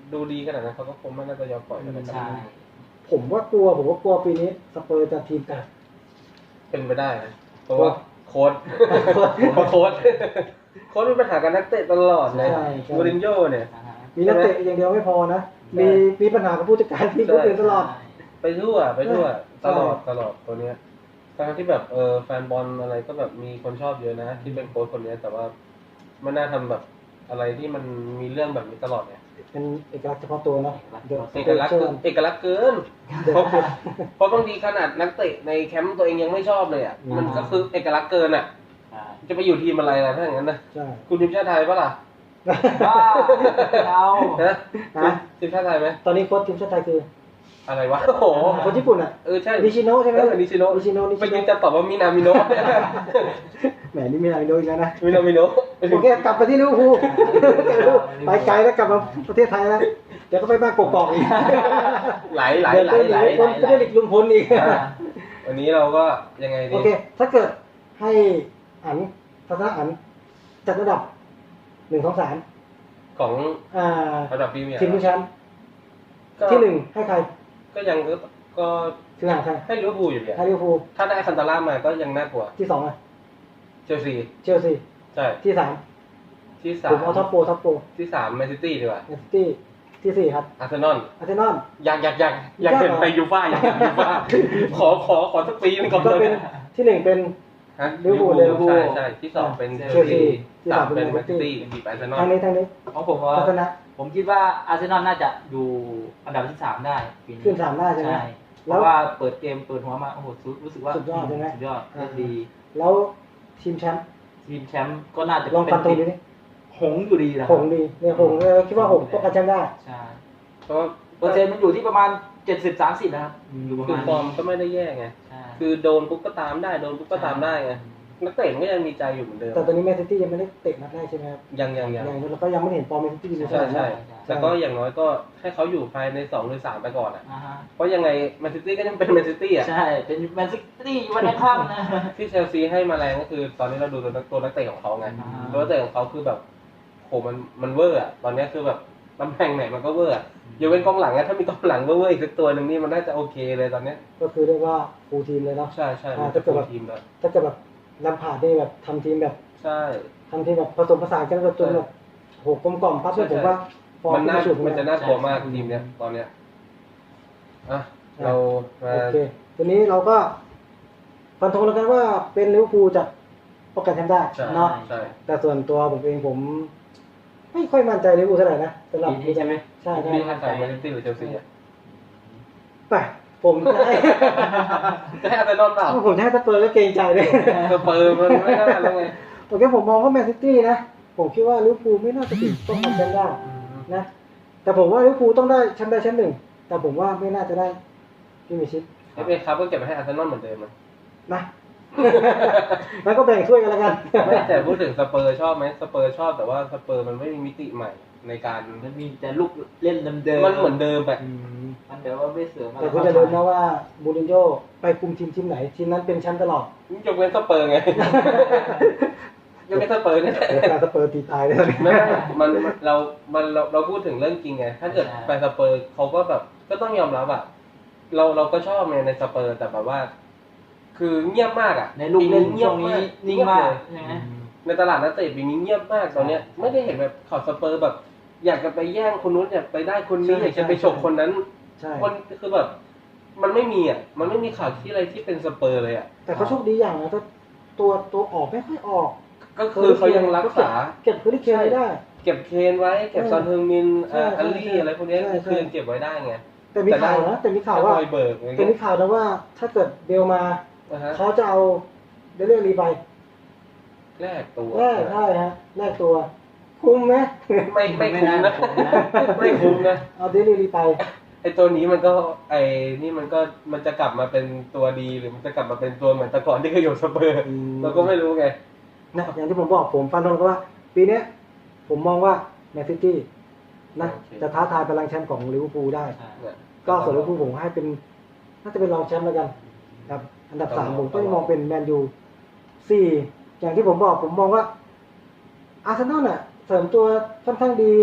Speaker 1: ดูดีขนาดนั้นเขาก็คงไม่น่าจะยอมปล่อยกันนะครับ
Speaker 2: ใช่
Speaker 3: ผมว่ากลัวผมว่ากลัวปีนี้สเปอร์จะทีมแตก
Speaker 1: เป็นไปได้นะเพราะว่าโค้ดเพราะโค้ดโค้ดมีปัญหากับนักเตะตลอดเลย
Speaker 3: ใช่ใช่
Speaker 1: มูรินโญ่เนี่ย
Speaker 2: อ่าฮะ
Speaker 3: มีนักเตะอย่างเดียวไม่พอนะ
Speaker 1: ใช่
Speaker 3: มีมีปัญหากับผู้จัดการทีมคนอื่นตลอด
Speaker 1: ไปทั่วไปทั่ว
Speaker 3: ใช่
Speaker 1: ตลอดตลอดตัวเนี้ยทั้งที่แบบเออแฟนบอลอะไรก็แบบมีคนชอบเยอะนะ ที่เป็นโค้ชคนเนี้ยแต่ว่าไม่น่าทำแบบอะไรที่มันมีเรื่องแบบนี้ตลอดเนี่ย
Speaker 3: เป็นเอกลักษณ์เฉพาะตัวเนาะ
Speaker 1: เอกลักษณ์คือเอกลักษณ์เกินเพราะเพราะบางทีขนาดนักเตะในแคมป์ตัวเองยังไม่ชอบเลยอ่ะมันก็คือเอกลักษณ์เกินอ่ะ
Speaker 2: ใช่
Speaker 1: จะไปอยู่ทีมอะไรล่ะถ้าอย่างนั้นนะ
Speaker 3: ใช่
Speaker 1: คุณทีมชาติไทยปะล่ะ
Speaker 2: บ้าเอา
Speaker 1: นะ
Speaker 3: ฮะ
Speaker 1: ทีมชาติไทยไหม
Speaker 3: ตอนนี้โค้ชทีมชาติไทยคือ
Speaker 1: อะไรวะโอ้โห
Speaker 3: โค้ชญี่ปุ่นอ่ะ
Speaker 1: เออใช่
Speaker 3: นิชิโนะใช่ไหม
Speaker 1: เออนิชิโนะ
Speaker 3: นิชิโนะนิ
Speaker 1: เมื่
Speaker 3: ชิ
Speaker 1: อกี้
Speaker 3: โนะ
Speaker 1: จะตอบว่ามินามิโนะ
Speaker 3: แหมนี่มีอะไรโดนอีกแล้วนะ
Speaker 1: มินามิโนะ
Speaker 3: โอเคกลับไปที่ลิเวอร์พูลไปไกลแล้วกลับมาประเทศไทยแล้วเดี๋ยวก็ไปบ้านกอกๆอีก
Speaker 1: ไหลไหล
Speaker 3: เดี๋ยว
Speaker 1: ไหล
Speaker 3: ไปห
Speaker 1: ไหล
Speaker 3: นีคนจะได้หลีกลุงพลอีก
Speaker 2: อ่า
Speaker 1: วันนี้เราก็ยังไงดี
Speaker 3: โอเค ถ้าเกิดให้อันทัศนะอันจัดระดับหนึ่งสองสาม
Speaker 1: ของ
Speaker 3: อ่า
Speaker 1: ระดับพรีเมียร์
Speaker 3: ทีมผู้แชมป์
Speaker 1: ก็
Speaker 3: ที่หนึ่งให้ใคร
Speaker 1: ก็ยังก็ก็
Speaker 3: คือหางใคร
Speaker 1: ให้ลิเวอร์พูลอยู่ดี
Speaker 3: ให้ลิเวอร์พูล
Speaker 1: ถ้าได้คันตาร่ามาก็ยังน่ากลัว
Speaker 3: ที่สองอ่ะ
Speaker 1: เชลซี
Speaker 3: เชลซี
Speaker 1: ใช่
Speaker 3: ที่สาม
Speaker 1: ที่สา
Speaker 3: ผม มเอาท็อปโปรท็อปโปร
Speaker 1: ที่สามแมนซิตี้ดีกว่า
Speaker 3: แมนซิตี้ที่สี่ครับ
Speaker 1: อาร์เซนอล
Speaker 3: อาร์เซนอล
Speaker 1: อยากอยากอยากอยากเห็นไปยูฟ่าอยากเห็นยูฟ่าขอขอขอสักปีหนึงก่อน
Speaker 3: ก็
Speaker 1: เล
Speaker 3: เป็น
Speaker 1: ย
Speaker 3: ที่หนึ่งเป็น
Speaker 1: ฮะ
Speaker 3: ลิเวอร์พูล
Speaker 1: ลิเวอร์พูล
Speaker 3: ลิเวอร์พูล
Speaker 1: ใช่ใช่ที่สองเป็นเช
Speaker 3: เช
Speaker 1: ล
Speaker 3: ลซี
Speaker 1: ซี
Speaker 3: ที่
Speaker 1: สา
Speaker 3: สาม มเป็
Speaker 1: เป็น
Speaker 3: น
Speaker 1: แม
Speaker 3: แม
Speaker 1: น
Speaker 3: นซิ
Speaker 1: ซิ
Speaker 3: ตี้
Speaker 1: ตี้บีบอาร์เซนอล
Speaker 3: ทางนี้ทางนี้
Speaker 2: ของผมว่า
Speaker 3: ทัศนะ
Speaker 2: ผมคิดว่าอาร์เซนอลน่าจะอยู่อันดับที่สามได้ปีนี้
Speaker 3: ขึ้นสามได้ใช่ไหม
Speaker 2: ใช่เพ
Speaker 3: แล้ว
Speaker 2: ราะว่าเปิดเกมเปิดหัวมาโอ้โหรู้สึกว่า
Speaker 3: สุดยอดใช่ไหม
Speaker 2: สุดยอดเล่นดี
Speaker 3: แล้วทีมแชมป์
Speaker 2: ทีมแชมป์ก็น่าจะ
Speaker 3: ลองฟันตรงนี้
Speaker 2: หงส์อยู่ดีนะ
Speaker 3: หงส์ดีเนี่ยหงส์เออคิดว่าหงส์ป้องกันแชมป์ได้
Speaker 2: ใช่
Speaker 1: เพราะว่า
Speaker 2: เปอร์เซ็นต์มันอยู่ที่ประมาณเจ็ดสิบสามสิบนะครับอยู่ประ
Speaker 1: คือ
Speaker 2: มาณ
Speaker 1: ฟอร์มก็ไม่ได้แย่ไง
Speaker 2: ใช่
Speaker 1: คือโดนปุ๊บก็ตามได้โดนปุ๊บก็ตามได้ไงนักเตะมันก็ยังมีใจอยู่เหมือนเดิม
Speaker 3: แต่ตอนนี้แมนซิตี้ยังไม่ได้เตะนัดแรกใช่ไหมครับ
Speaker 1: ยังยังยัง
Speaker 3: ยังแล้วก็ยังไม่เห็นฟอร์มแมนซิตี้เลย
Speaker 1: ใช่ใช่
Speaker 3: ไหม
Speaker 1: แต่ก็อย่างน้อยก็ให้เขาอยู่ภายในสองหรือสามไปก่อนอ่ะ
Speaker 2: อ่าฮะ
Speaker 1: เพราะยังไงแมนซิตี้ก็ยังเป็นแมนซิตี้อ่ะ
Speaker 2: ใช่เป็นแมนซิตี้วันในค่ำนะ
Speaker 1: ที่เชลซีให้มาแรงก็คือ ตอนนี้เราดูตัวนักตัวนักเตะของเขาไง
Speaker 2: อ่า
Speaker 1: ตัวนักเตะของเขาคือแบบโหมันมันเวอร์อ่ะตอนนี้คือแบบตำแหน่งไหนมันก็เวอร์อะยกเว้นกองหลังอะถ้ามีกองหลังเวอร์ๆอีกสักตัวหนึ่งนี่มันน่าจะโอเคเลยตอนเนี้ย
Speaker 3: ก็คือเรียกว่าฟูลทีมเลยเนาะ
Speaker 1: ใช่ใช่
Speaker 3: อ่า
Speaker 1: มัน
Speaker 3: ถ้า
Speaker 1: จะ
Speaker 3: เกิ
Speaker 1: เป็
Speaker 3: ด
Speaker 1: น
Speaker 3: แบบ
Speaker 1: ทีมแล้ว
Speaker 3: ถ้าเกิดแบบลำผ่านนี่แบบทำทีมแบบ
Speaker 1: ใช่
Speaker 3: ทำทีมแบบผสมผสานกันจนแบบโหกลมกล่อมปั๊บเนี่ยผมว่าฟอร์ม
Speaker 1: มันน่า
Speaker 3: ขึ้น
Speaker 1: มันจะ
Speaker 3: นะ
Speaker 1: น่ากลัวมากทีมเนี้ยตอนเนี้ยอ่ะเรามา
Speaker 3: โอเคทีนี้เราก็ฟันธงแล้วกันว่าเป็นลิเวอร์พูลจะป้องกันแชมป์ได้
Speaker 1: ใช่
Speaker 3: เนาะ
Speaker 1: ใช่
Speaker 3: แต่ส่วนตัวผมเองผม ไม่ค่อยมั่นใจลิเวอร์พูลเท่าไหร่นะสำหรับ
Speaker 2: ปีนี้ใช่ไหม
Speaker 3: ใช่ใช่
Speaker 1: พี่ให้ใส่แมนซิตี้หรือเชลซีอ่ะ
Speaker 3: ไปผมจะให้
Speaker 1: จะให้อาร์เซนอลเปล่า
Speaker 3: ผมจะให้สเปอร์ก็เกรงใจเลย
Speaker 1: สเปอร์มันไม่น่าแล้วไง
Speaker 3: โอเคผมมองว่าแมนซิตี้นะ ผมคิดว่าลิเวอร์พูลไม่น่าจะถึงต้องทำแชมป์ได้นะ แต่ผมว่าลิเวอร์พูลต้องได้แชมป์ได้แชมป์หนึ่ง แต่ผมว่าไม่น่าจะได้พรีเมียร์ชิพ
Speaker 1: เอฟเอครับก็เก็บไว้ให้อาร์เซนอลเหมือนเดิมอะ
Speaker 3: นะ แล้วก็แบ่งช่วยกันแล้วกัน
Speaker 1: ไม่แต่พูดถึงสเปอร์ชอบไหมสเปอร์ชอบแต่ว่าสเปอร์มันไม่มีมิติใหม่ในการ
Speaker 2: มันมีแต่ลูกเล่นเดิมๆ
Speaker 1: มันเหมือนเดิมแบบ
Speaker 2: มันแต่ว่าไม่เสริมอะไร
Speaker 3: แต่คุณจะลืมนะว่ามูรินโญ่ไปคุมทีมทีมไหน ทีมนั้นเป็นแชมป์ตลอด
Speaker 1: ยกเว้นสเปอร์ไง ยกเว้นสเปอร์เนี่ย
Speaker 3: เดี๋ยวการสเปอร์ตีตายเลย
Speaker 1: ไม่ไม่มันมันเรา มันเราเราพูดถึงเรื่องจริงไง ถ้าเกิดแฟนสเปอร์เขาก็แบบก็ต้องยอมรับอ่ะ เราเราก็ชอบไงในสเปอร์แต่แบบว่า คือเงียบมากอ่ะ
Speaker 2: ในลูกเล่น
Speaker 1: ปี
Speaker 2: ช่วงนี้นิ่งมาก
Speaker 1: เงียบเลย
Speaker 2: ใช่ไหม
Speaker 1: ในตลาดนักเตะปีนี้เงียบมากตอนเนี้ยไม่ได้เห็นแบบข่าวสเปอร์แบบ อยากจะไปแย่งคนนู้นอยากไปได้คนนี้อยากจะไปฉกคนนั้น
Speaker 3: ใช่
Speaker 1: คนคือแบบ มันไม่มีอ่ะ มันไม่มีข่าวที่อะไรที่เป็นสเปอร์เลยอ่ะ
Speaker 3: แต่เขาโชคดีอย่างนะก็ตัวตัวออกไม่ค่อยออก
Speaker 1: ก็คือเขายังรักษา
Speaker 3: เก็บพื้นที่เคนไม่ได้
Speaker 1: เก็บเคนไว้ เก็บ
Speaker 3: เออ
Speaker 1: ซอนเฮงมิน
Speaker 3: ใช่
Speaker 1: อ่า
Speaker 3: ใช่
Speaker 1: อัลลี่
Speaker 3: ใช่
Speaker 1: อะไรพวกเนี้ย
Speaker 3: ใช่ใช่
Speaker 1: คือยังเก็บไว้ได้ไง
Speaker 3: แต่มีข่าวนะแต่มีข่าวว่า
Speaker 1: แค่รอยเบิกอะไร
Speaker 3: แต่
Speaker 1: เงี้
Speaker 3: มี
Speaker 1: ย
Speaker 3: ข่าวนะว่า ถ้าเกิดเบลมา
Speaker 1: นะฮะ
Speaker 3: เขาจะเอาเดเรื่องรีไป
Speaker 1: แลกตัว
Speaker 3: แรกใช่ฮะแรกตัว คุ้มไหม
Speaker 1: ไม่ไม่คุ้มนะ
Speaker 2: ไม่น่าคุ้มนะ
Speaker 1: ไม่คุ้มนะ
Speaker 3: เอาเดเรื่องรีไป
Speaker 1: ไอตัวนี้มันก็ไอนี่มันก็มันจะกลับมาเป็นตัวดีหรือมันจะกลับมาเป็นตัวเหมือนแต่ก่อนที่เคยอยู่สเปอร์
Speaker 3: อืม
Speaker 1: เราก็ไม่รู้ไง
Speaker 3: นะอย่างที่ผมบอกผมฟันธงก็ว่า ปีเนี้ยผมมองว่าแมนซิตี้นะ
Speaker 1: โอเค
Speaker 3: จะท้าทายพลังแชมป์ของลิเวอร์พูลได้
Speaker 2: ใช่
Speaker 1: เนี่ย
Speaker 3: ก็ส่วนลิเวอร์พูลผมให้เป็นน่าจะเป็นรองแชมป์แล้วกันครับ อันดับสามผมก็มองเป็นแมนยูสี่อย่างที่ผมบอกผมมองว่าอาร์เซนอลน่ะเสริมตัวค่อนข้างดี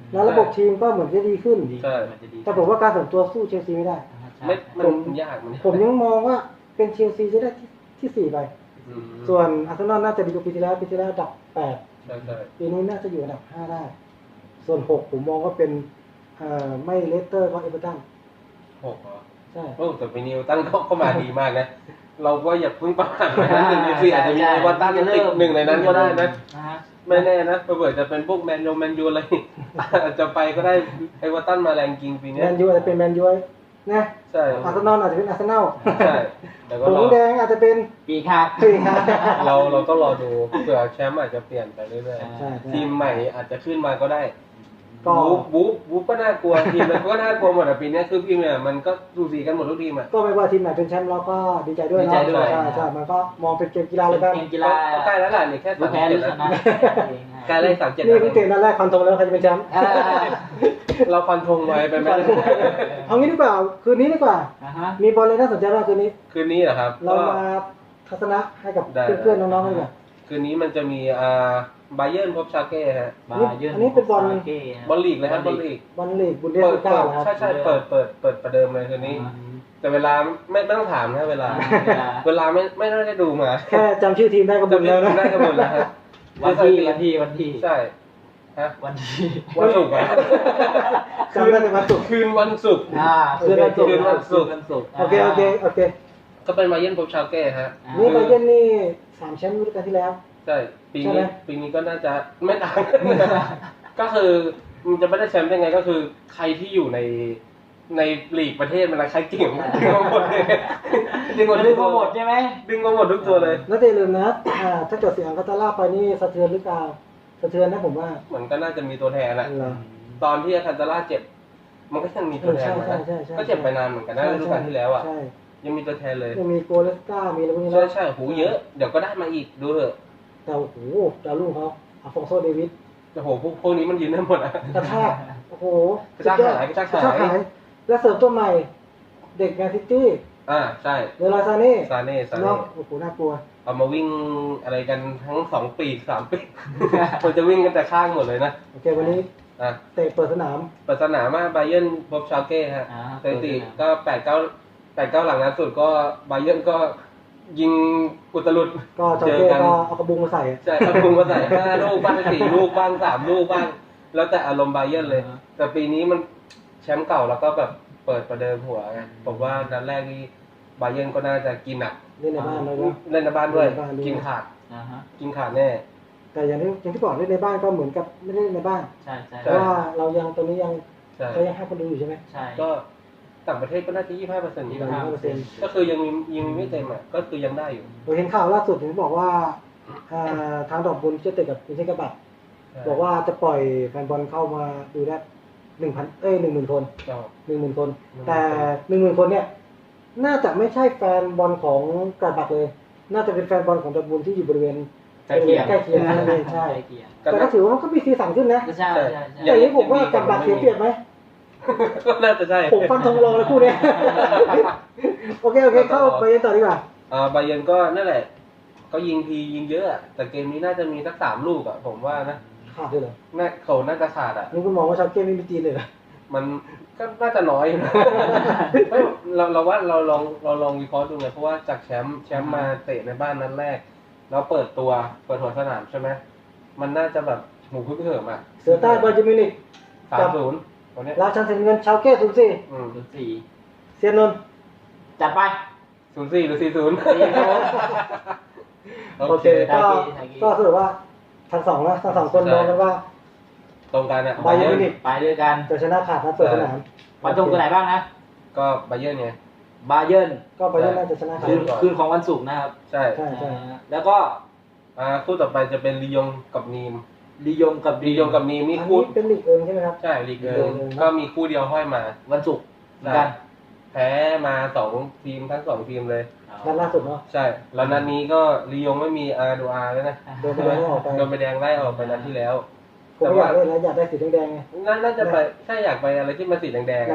Speaker 3: แล้วระบบทีมก็เหมือนจะดีขึ้น
Speaker 2: ดี
Speaker 1: ใช่
Speaker 2: มันจะดี
Speaker 3: แต่ผมว่าการส่วนตัวสู้เชลซีไม่ได้
Speaker 2: ใช่
Speaker 1: ไม่
Speaker 2: ใช่
Speaker 1: มันยากมัน
Speaker 3: ผมยังมองว่าเป็นเชลซีจะได้ที่ที่สี่ไป
Speaker 1: อืม
Speaker 3: ส่วนอาร์เซนอลน่าจะดีกว่าปีที่แล้วปีที่แล้วอันดับแปด
Speaker 1: ใช่ใช่
Speaker 3: ปีนี้น่าจะอยู่อันดับห้าได้ ส่วนหกผมมองว่าเป็นเอ่อไม่เลสเตอร์ก็เอเวอร์ตัน
Speaker 1: หกเหรอ
Speaker 3: ใช่
Speaker 1: โอ้แต่ปีนี้เอเวอร์ตันก็เข้ามาดีมากนะ เราก็อย่าเพิ่งประมาทนะหนึ่งในสี่อาจจะมีเอเวอร์ตันติดหนึ่งในนั้นก็ได้นะ
Speaker 2: นะฮะ
Speaker 1: ไม่แน่นะเผื่อจะเป็นพวกแมนยูแมนยูอะไร อาจจะไปก็ได้เอเวอร์ตันมาแรงจริงปี
Speaker 3: แม
Speaker 1: เนี้ย
Speaker 3: นยูอาจจะเป็นแมนยูนะ
Speaker 1: ใช่
Speaker 3: อาร์เซนอลอาจจะเป็นอาร์เซนอล
Speaker 1: ใช่แต่ก็
Speaker 3: ผ
Speaker 1: รอ
Speaker 3: งแดงอาจจะเป็น
Speaker 2: ปีครับ
Speaker 3: ปีครับ
Speaker 1: เราเราต้องรอดูเผื่อแชมป์อาจจะเปลี่ยนไปเรื่อย
Speaker 3: ใช่ใช่
Speaker 1: ๆทีมใหม่อาจจะขึ้นมาก็ได้
Speaker 3: ก็
Speaker 1: บู๊บู๊บู๊ก็น่ากลัวทีมมันก็น่ากลัวหมดอะปีเนี้ยคือทีมเนี่ยมันก็ดูสีกันหมดทุกทีมอะ
Speaker 3: ก็ไม่ว่าทีมไหนเป็นแชมป์เราก็ดีใจด้วย
Speaker 2: ดี
Speaker 3: เนาะ
Speaker 2: ใจด้วย
Speaker 3: ใช่ใช่มันก็มองเป็นเกมกีฬาเลยกัน
Speaker 2: เกมกีฬา
Speaker 1: ก็ใกล้แล้วแหละนี่แค่
Speaker 2: รู้
Speaker 1: สาม
Speaker 2: แพ้
Speaker 1: เจ็
Speaker 2: รู้
Speaker 1: ด
Speaker 2: ช
Speaker 1: แล้ว
Speaker 2: นะ
Speaker 1: ใกล้เลขสามเจ็ด
Speaker 3: นี่เพิ่งเกมนัดแรกคอนโทรลแล้วใครจะเป็นแชมป์
Speaker 2: อ่า
Speaker 1: เราฟันธงไว้ไปไหม
Speaker 3: เอางี้ดีกว่าคืนนี้ดีกว่า
Speaker 2: อ่าฮะ
Speaker 3: มีบอลเลยน่าสนใจมากคืนนี้
Speaker 1: คืนนี้เหรอครับ
Speaker 3: เรา
Speaker 1: ก็
Speaker 3: มาทัศนะให้กับ
Speaker 1: ได้
Speaker 3: เพื่อนๆน้องๆกันดีกว่า
Speaker 1: คืนนี้มันจะมีอ่าบาเยิร์นพบชาเก้ฮะ
Speaker 2: บาเยิร์
Speaker 3: อันนี้เป็นบอล
Speaker 2: ซาเก้ฮะ
Speaker 1: บอลลีกเลยครับบอลลีก
Speaker 3: บอลลีกบุนเดส
Speaker 1: เปิด
Speaker 3: ลิก้า
Speaker 1: เปิด
Speaker 3: นะครับ
Speaker 1: ใช่ใช่เปิดเปิดเปิดประเดิมเลยคืนนี้ แต่เวลาไม่ไม่ต้องถามนะเวลา
Speaker 2: เวลา
Speaker 1: เวลาไม่ไม่น่าจะดูมา
Speaker 3: แค่จำชื่อทีมได้ก็บุญแล้วนะ
Speaker 1: ได้กันหมดแล้วครับ
Speaker 2: วันที่วันที่วันที่
Speaker 1: ใช่ฮะ
Speaker 2: วันที่
Speaker 1: วันศุกร์อะ
Speaker 3: จำได้แต่วันศุกร์
Speaker 1: คืนวันศุกร์
Speaker 2: อ่าคืนวันศุกร์
Speaker 1: คืนวันศุกร์
Speaker 2: คืนวันศุกร์
Speaker 3: โอเคโอเคโอเค
Speaker 1: ก็เป็นบาเยิร์นพบชาเก้ฮะ
Speaker 2: อ่า
Speaker 3: นี่บาเยิร์นนี่สามแชมป์ฤดูกาลที่แล้ว
Speaker 1: ใช่ปี
Speaker 3: ใช่ไหม
Speaker 1: นี้ปีนี้ก็น่าจะไม่ต่าง ก็คือมันจะไม่ได้แชมป์ได้ไงก็คือใครที่อยู่ในในลีกประเทศมันอะไรใครเก่งดึงมาหมดเลยดึงมา
Speaker 2: ดึ
Speaker 1: ดึ
Speaker 2: ง
Speaker 1: ง
Speaker 2: มา
Speaker 1: มา
Speaker 2: ห
Speaker 1: ห
Speaker 2: ม
Speaker 1: ม
Speaker 2: ด
Speaker 1: ด
Speaker 2: ใช่ไหม
Speaker 1: ดึงมาหมดทุกตัวเลย
Speaker 3: แล้วอย่าลืมนะอ่าถ้าเกิดเสียงคาตาล่าไปนี่สะเทือนหรือเปล่าสะเทือนนะผมว่า
Speaker 1: เหมือนก็น่าจะมีตัวแทนแหละ
Speaker 3: เหรอ
Speaker 1: ตอนที่อาคันตาร่าเจ็บ มันก็ยังมีตัวแทนมา
Speaker 3: ใช่
Speaker 1: นะ
Speaker 3: ใช่ใช่ใช่
Speaker 1: ก็เจ็บไปนานเหมือนกันนะฤดูกาลที่แล้วอ่ะ
Speaker 3: ใช่
Speaker 1: ยังมีตัวแทนเลย
Speaker 3: ยังมีโกเลสกามีอะไรพวกนี้
Speaker 1: ใช่
Speaker 3: นะ
Speaker 1: ใช่หูเยอะ เดี๋ยวก็ได้มาอีกดูเถอะ
Speaker 3: แต่โอ้โหดาวรุ่งเขาอาฟองโซเดวิส
Speaker 1: แต่โหพวกพวกนี้มันยืนได้หมดอ่ะ
Speaker 3: กระชากโอ้โห
Speaker 1: กระชากหายกระชากหาย
Speaker 3: กระชากหายและเสริมตัวใหม่ เด็กแมนซิตี้
Speaker 1: อ่าใช่
Speaker 3: เวลาซาเน่
Speaker 1: ซาเน่ซา
Speaker 3: เนาะ
Speaker 1: เน่
Speaker 3: โอ้โหน่ากลัว
Speaker 1: เอามาวิ่งอะไรกันทั้งสองปีกสามปีก มันจะวิ่งกันแต่ข้างหมดเลยนะ
Speaker 3: โอเควันนี้
Speaker 1: อ่ะ
Speaker 3: เตะเปิดสนาม
Speaker 1: เปิดสนามมาบาเยิร์นพบชาเก้ฮะ
Speaker 2: อ่า
Speaker 1: สถิติก็แปดเก้าแปดเก้าหลังนัดสุดก็บาเยิร์นก็ยิงอุตลุด
Speaker 3: ก็จอเก้ก็เอากระบุงมาใส่
Speaker 1: ใช่ครับพุงมาใส่ห้าลูกบ้างสี่ลูกบ้างสามลูกบ้าง แล้วแต่อารมณ์บาเยิร์นเลย แต่ปีนี้มันแชมป์เก่าแล้วก็แบบเปิดประเดิมหัวไงผมว่านัดแรกนี่บาเยิร์นก็น่าจะกินหนัก
Speaker 3: เล่นในบ้านเลยนะ
Speaker 1: เล่นในบ้านด้วย
Speaker 3: เล่นในบ้านด้วย
Speaker 1: กินขาด
Speaker 2: อ่าฮะ
Speaker 1: กินขาดแน่
Speaker 3: แต่อย่างที่อย่างที่บอกเล่นในบ้านก็เหมือนกับไม่ได้เล่นในบ้าน
Speaker 2: ใช่ใช่
Speaker 3: เพราะว่าเรายังตอนนี้ยัง
Speaker 1: ใช่
Speaker 3: เขายังให้คนดูอยู่ใช่ไหม
Speaker 2: ใช่
Speaker 1: ก็ต่างประเทศก็น่าจะยี่สิบห้าเปอร์เซ็นต์
Speaker 3: ยี่สิบห้าเปอร์เซ็นต์
Speaker 1: ก็คือยังมียังไม่เต็มอ่ะก็คือยังได้อยู่
Speaker 3: เราเห็นข่าวล่าสุดผมบอกว่าอ่าทางดอกบุญจะติดกับอินเทอร์กบัตบอกว่าจะปล่อยแฟนบอลเข้ามาดูได้หนึ่งพันเอ้ยหนึ่งหมื่นคน
Speaker 1: ก็
Speaker 3: หนึ่งหมื่นคน
Speaker 1: หนึ่งหมื่น
Speaker 3: แต่หนึ่งหมื่นคนเนี่ย น่าจะไม่ใช่แฟนบอลของกระบักเลย น่าจะเป็นแฟนบอลของดอกบุญที่อยู่บริเวณ
Speaker 2: ใกล้เคียง
Speaker 3: ใกล้เคียงนั่นเองใช่
Speaker 2: ใกล้เคียง
Speaker 3: แต่ก็ถือว่ามันก็มีสีสันขึ้นนะ
Speaker 2: ใช่ใช่ใช่
Speaker 3: แต่อย่างนี้ผมว่ากระบักเสียเปรียบไหม
Speaker 1: ก็น่าจะใช่
Speaker 3: ผมฟันธงรองเลยคู่เนี้ย โอเคโอเคเข้าไปกันต่อดีกว่า
Speaker 1: อ่าบาเยิร์นก็นั่นแหละ ก็ยิงทียิงเยอะอะแต่เกมนี้น่าจะมีสักสามลูกอ่ะผมว่านะ
Speaker 3: ขาดด้วยเหรอ
Speaker 1: น่าเขาน่าจะขาดอ่ะ
Speaker 3: นี่คุณมองว่าชาวเก้ไม่มีจีนเลยเหรอ
Speaker 1: มันก็น่าจะน้อยอยู่นะ เฮ้ยเราเราว่าเราลองเราลองวิเคราะห์ดูไงเพราะว่าจากแชมป์แชมป์มาเตะในบ้านนัดแรก แล้วเปิดตัวเปิดหัวสนามใช่ไหมมันน่าจะแบบหมูพึ่งเหิมอ่ะ
Speaker 3: เสือใต้บาเยร์นมิวนิก
Speaker 1: สามศูนย์ตัวเนี้ย
Speaker 3: ราชันเซนเงินชาวเก้ศูนย์สี่
Speaker 1: อืม
Speaker 2: ศูนย์สี่
Speaker 3: เซียนนนท์
Speaker 2: จัดไป
Speaker 1: ศูนย์สี่หรือสี่ศูนย์
Speaker 2: สี่ศูนย์
Speaker 3: โอเคก็ก็สรุปว่าทั้งสองนะทั้งสองคนมองกันว่า
Speaker 1: ตรงกันอ่ะ
Speaker 3: บาเยิร์นมิวนิก
Speaker 2: ไปด้วยกัน
Speaker 3: จะชนะขาดนะเปิดสนาม
Speaker 2: ฟันธงตัวไหนบ้างนะ
Speaker 1: ก็บาเยิร์นไง
Speaker 2: บาเยิร์น
Speaker 3: ก็บาเยิร์นน่าจะชนะขา
Speaker 2: คื
Speaker 3: ด
Speaker 2: นคืนของวันศุกร์นะครับ
Speaker 1: ใช่
Speaker 3: ใช่ใช่
Speaker 2: อ่าแล้วก็
Speaker 1: อ่าคู่ต่อไปจะเป็นลียงกับนีม
Speaker 2: ลียงกับ
Speaker 1: ลียงกับนีม
Speaker 3: อัน
Speaker 1: นี่
Speaker 3: นี้
Speaker 1: คู่
Speaker 3: เป็นลีกเอิงใช่ไหมครับ
Speaker 1: ใช่ลีกเอิ
Speaker 3: ลี
Speaker 1: ง
Speaker 3: กเอิง
Speaker 1: ก็มีคู่เดียวห้อยมา
Speaker 2: วันศุกร์เหมือนกัน
Speaker 1: แพ้มาสองทีมทั้งสองทีมเลย
Speaker 3: นัดล่าสุดเนาะ
Speaker 1: ใช่แล้วนัดนี้ก็ลียงไม่มีอาร์ดูอาร์แล้วนะ
Speaker 3: โดนไปแดงออกไป
Speaker 1: โดนไปแดงไล่ออกไปนัดที่แล้ว
Speaker 3: ผมไม่อยากเล่นแล้วอยากได้สีแดงๆไง
Speaker 1: น่าน่าจะไปถ้าอยากไปอะไรที่มันสีแดงๆ
Speaker 3: นะ
Speaker 1: อะ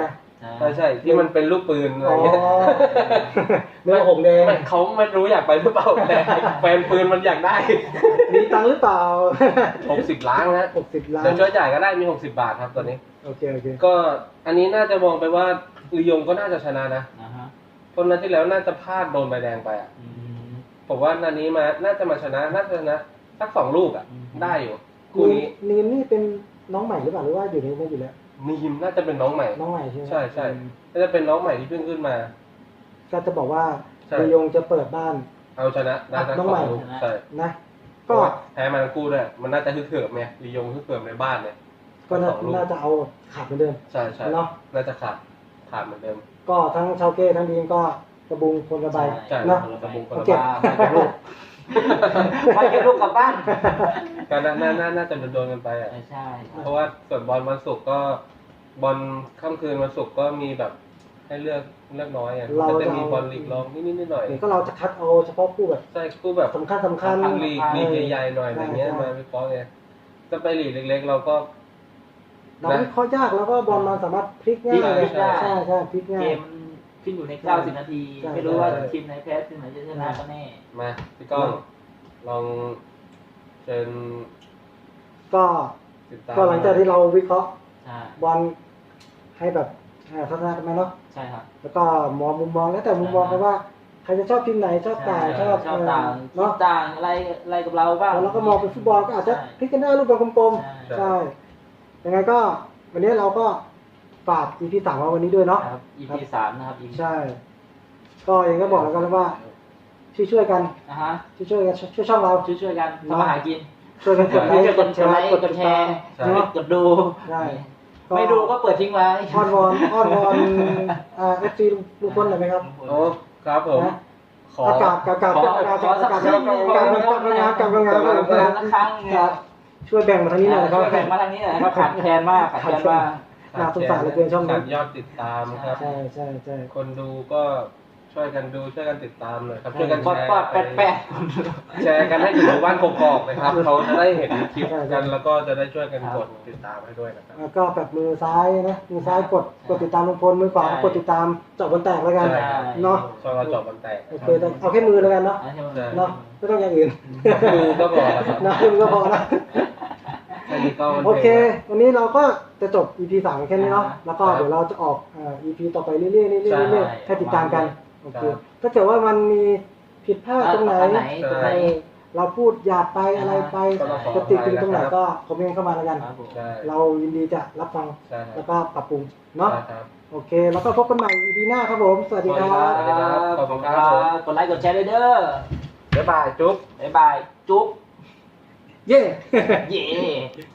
Speaker 1: ใช่ใช่ที่มันเป็นลูกปืนอะไร
Speaker 3: อ๋อ
Speaker 1: เงี้ย
Speaker 3: เนื้อหงแดง
Speaker 1: ไม่เขาไม่รู้อยากไปหรือเปล่าแต่แฟนปืนมันอยากได้
Speaker 3: มีตังค์หรือเปล่า
Speaker 1: หกสิบล้านนะ
Speaker 3: หกสิบล้าน
Speaker 1: เดี๋ยวช่วยจ่ายก็ได้มีหกสิบบาทครับตอนนี้
Speaker 3: โอเคโอเค
Speaker 1: ก็อันนี้น่าจะมองไปว่าลียงก็น่าจะชนะนะ
Speaker 2: นะฮะ
Speaker 1: เพราะนัดที่แล้วน่าจะพลาดโดนใบแดงไปอ่ะ
Speaker 2: อืม
Speaker 1: ผมว่านัดนี้มาน่าจะมาชนะน่าจะชนะสักสองลูกอ่ะ
Speaker 2: อืม
Speaker 1: ได้อยู่คู่นี้
Speaker 3: นีมนี่เป็นน้องใหม่หรือเปล่าหรือว่าอยู่ในนี้อยู่แล้ว
Speaker 1: นีมน่าจะเป็นน้องใหม่
Speaker 3: น้องใหม่ใช่ไหม
Speaker 1: ใช่ใช่
Speaker 3: อืม
Speaker 1: น่าจะเป็นน้องใหม่ที่เพิ่งขึ้นมา
Speaker 3: ก็จะบอกว่า
Speaker 1: ใช่
Speaker 3: ลียงจะเปิดบ้าน
Speaker 1: เอาชนะได้ทั้ง
Speaker 3: น้อง
Speaker 1: ส
Speaker 3: ให
Speaker 1: อ
Speaker 3: ม่
Speaker 1: งลูกใช่
Speaker 3: นะ
Speaker 1: ก็
Speaker 3: ก็
Speaker 1: แพ้มาทั้งคู่ด้วยมันน่าจะฮึกเหิมไงลียงฮึกเหิมในบ้านเนี่ย
Speaker 3: ก็น่า
Speaker 1: สองลูก
Speaker 3: น่าจะเอาขาดเหมือนเดิม
Speaker 1: ใช่ใช่
Speaker 3: เนาะ
Speaker 1: น่าจะขาดขาดเหมือนเดิม
Speaker 3: ก็ทั้งชาวเก้ทั้งดีมก็กระบุงคนละใบ
Speaker 1: ใช่
Speaker 3: เนาะ
Speaker 1: คนละบุงคน
Speaker 3: โอ
Speaker 1: ละ
Speaker 3: เค
Speaker 1: บ้านคนละลูก
Speaker 2: ไปเก็บลูกกลับบ้าน
Speaker 1: ก็น่าน่าน่าน่าจะโดนๆกันไปอ่ะ
Speaker 2: ใช่ใช่ครับ
Speaker 1: เพราะว่าส่วนบอลวันศุกร์ก็บอลค่ำคืนวันศุกร์ก็มีแบบให้เลือกเลือกน้อยอ่ะ
Speaker 3: เรา
Speaker 1: ก็
Speaker 3: จะ
Speaker 1: จะมี
Speaker 3: เอา
Speaker 1: บอลลีกรองนิดๆหน่อย
Speaker 3: เดี๋ยวก็เราจะคัดเอาเฉพาะคู่แบบ
Speaker 1: ๆใช่คู่แบบ
Speaker 3: สำคัญสำคัญ
Speaker 1: ลีกลีกใหญ่ๆหน่อยอะไรเงี้ย
Speaker 3: ใช่
Speaker 1: มาวิเคราะห์ไงก็ไปลีกเล็กๆ เราก็
Speaker 3: เราวิเคราะห์ยากแล้วก็บอลมันสามารถพลิกง่าย
Speaker 1: ใช่
Speaker 3: เลย
Speaker 1: ใช่
Speaker 3: ใช่ใช่พลิกง่า
Speaker 2: เก
Speaker 3: ย
Speaker 2: มขึ้นอยู่ในเก้าสิบนาที
Speaker 3: ใช่
Speaker 2: ไม่รู้ว่า
Speaker 1: ใช่
Speaker 2: ทีมไหนแพ้ทีมไหนจะชนะก็แน่
Speaker 1: มาพี่ก้องลองเชิญ
Speaker 3: ก็
Speaker 1: ติดตาม
Speaker 3: ก็หลังจากที่เราวิเคราะห์
Speaker 2: ใช่
Speaker 3: บอลให้แบบอ่าทัศนะกันไหมเนาะ
Speaker 2: ใช่ครับ
Speaker 3: แล้วก็มองมุมมองแล้วแต่มุมมองกันว่าใครจะชอบทีมไหนชอบต่างชอบ
Speaker 2: ชอบต่าง
Speaker 3: เออ
Speaker 2: คิด
Speaker 3: เนาะ
Speaker 2: ต่างอะไรอะไรกับเราบ้าง
Speaker 3: แล้วก็มองเป็นฟุตบอลก็อาจจะพลิกกันได้รูปแบบกลม
Speaker 2: ใช่
Speaker 3: ๆใช่ยังไงก็วันนี้เราก็ฝาก อี พี สามมาวันนี้ด้วยเนาะ
Speaker 2: ครับ อี พี สามนะครับ อี พี
Speaker 3: ใช่ ก็ยังก็บอกแล้วกันว่าช่วยๆกัน
Speaker 2: นะฮะ
Speaker 3: ช่วยๆกันช่วยช่องเรา
Speaker 2: ช่วยช่วยๆกันทำมาหากิน
Speaker 3: ช่วยกันกดไล
Speaker 2: ช่วย
Speaker 3: ค์
Speaker 2: กันกดไลค์กดแชร์
Speaker 1: ใช่
Speaker 3: เนาะ
Speaker 2: กดดู
Speaker 3: ได้
Speaker 2: ไม่ดูก็เปิดทิ้งไว้
Speaker 3: อ้อนวอนอ้อนวอนอ่าเอฟซีลุงพลหน่อยไหมครับ
Speaker 1: โอ้ครับผม
Speaker 3: นะ
Speaker 1: ขอ
Speaker 3: อากาศกาบกาบ
Speaker 2: ขอ
Speaker 3: กาบกาบ
Speaker 2: ขอสัก
Speaker 3: กาบ
Speaker 2: ครึ่งหนึ่ง
Speaker 3: กาบกาบงานกาบงาน
Speaker 2: กาบงานละครั้งเนี่ย
Speaker 3: ช่วยแบ่งมาทางนี้หน่อยนะครับ
Speaker 2: ช่วยแบ่งมาทางนี้หน่อยนะครับขาดแคลนมากขาดแคลนมาก
Speaker 3: น่าสงสารเหลือเกินช่องนี้
Speaker 1: ขาดยอดติดตามครับ
Speaker 3: ใช่ใช่ใช่
Speaker 1: คนดูก็ช่วยกันดูช่วยกันติดตามหน่อยครับช่วยกัน
Speaker 2: ปอด
Speaker 1: แชร์
Speaker 2: ปอดแปดแปด
Speaker 1: แชร์กันให้ถึงหมู่บ้านกอกๆนะครับเขาจะได้เห็นคลิปกันแล้วก็จะได้ช่วยกันกดติดตามให้ด้วยนะครับ
Speaker 3: แล้วก็แบบมือซ้ายนะมือซ้ายกดกดติดตามลุงพลมือขวากดติดตามเจาะบนแตกแล้วกัน
Speaker 1: ใช่ครับ
Speaker 3: เนาะ
Speaker 1: ช่องเราจบมันแตก
Speaker 3: โอเคแต่เอาแค่มือแล้วกันเนาะ
Speaker 1: ใช่
Speaker 3: เนาะไม่ต้องอย่างอื่น
Speaker 1: ดูก็พอแล้วครับ
Speaker 3: นะดูก็พอนะ
Speaker 1: แค่นี้ก็มัน
Speaker 3: โอเค วันนี้เราก็จะจบ อี พี สามแค่นี้เนาะ
Speaker 2: อ่า
Speaker 3: แล้วก็เดี๋ยวเราจะออกอ่า อี พี ต่อไปเรื่อยๆเรื่อยๆ
Speaker 1: ใช่
Speaker 3: เรื่อยๆให้ติดตามกัน โอเค
Speaker 1: ครับ
Speaker 3: ถ้าเกิดว่ามันมีผิดพลาดตรงไหน
Speaker 2: ตรงไหนตรงไหน
Speaker 3: เออเราพูดหยาบไปอะไรไป
Speaker 1: ก็ต้องขอ
Speaker 3: จะติดติงตรงไหน
Speaker 1: อภัยนะครับ
Speaker 3: ก็คอมเมนต์เข้ามาแล้วกัน
Speaker 2: ครับผม
Speaker 1: ใช่
Speaker 3: เรายินดีจะรับฟัง
Speaker 1: ใช่ค
Speaker 3: แล้
Speaker 1: รั
Speaker 3: ว
Speaker 1: บ
Speaker 3: ก็ปรับปรุงเนาะ
Speaker 1: ใช่ครับ
Speaker 3: โอเค แล้วก็พบกันใหม่ อี พี หน้าครับผม สวัสดีครับ
Speaker 1: สวัสดีครับขอบคุณครับผม
Speaker 2: กดไลค์กดแชร์ด้วยเด้อ
Speaker 1: บ๊ายบายจุ๊บ
Speaker 2: บ๊ายบาย จุ๊บ
Speaker 3: เย้
Speaker 2: เย่